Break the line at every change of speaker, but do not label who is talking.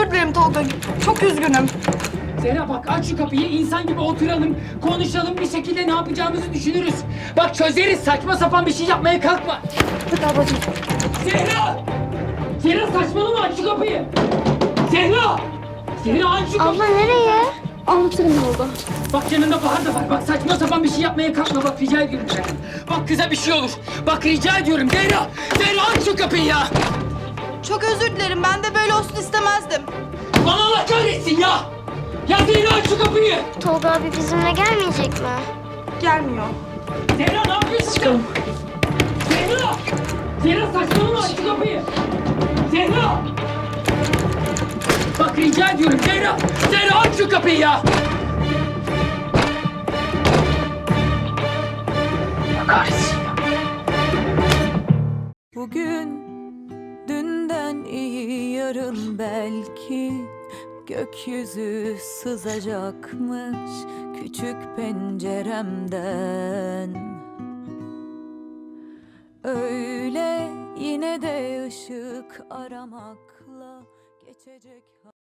özür dilerim Tolga. Çok üzgünüm.
Zehra bak aç şu kapıyı, insan gibi oturalım, konuşalım, bir şekilde ne yapacağımızı düşünürüz. Bak çözeriz, saçma sapan bir şey yapmaya kalkma.
Hadi ablacığım.
Zehra! Zehra saçmalama, aç şu kapıyı. Zehra! Zehra aç şu kapıyı.
Abla nereye?
Anlatırım Tolga.
Bak yanında Bahar da var. Bak saçma sapan bir şey yapmaya kalkma. Bak rica ediyorum senden. Bak kıza bir şey olur. Bak rica ediyorum Zehra. Zehra aç şu kapıyı ya.
Çok özür dilerim. Ben de böyle olsun istemezdim.
Bana Allah kahretsin ya. Ya Zehra aç şu kapıyı.
Tolga abi bizimle gelmeyecek mi?
Gelmiyor.
Zehra ne yapıyorsun? Çıkalım. Zehra. Zehra saçmalama aç şu kapıyı. Zehra. Bak rica ediyorum Zehra. Zehra aç şu kapıyı ya. Allah kahretsin ya.
Bugün dünden iyi yarın belki gökyüzü sızacakmış küçük penceremden. Öyle yine de ışık aramakla geçecek.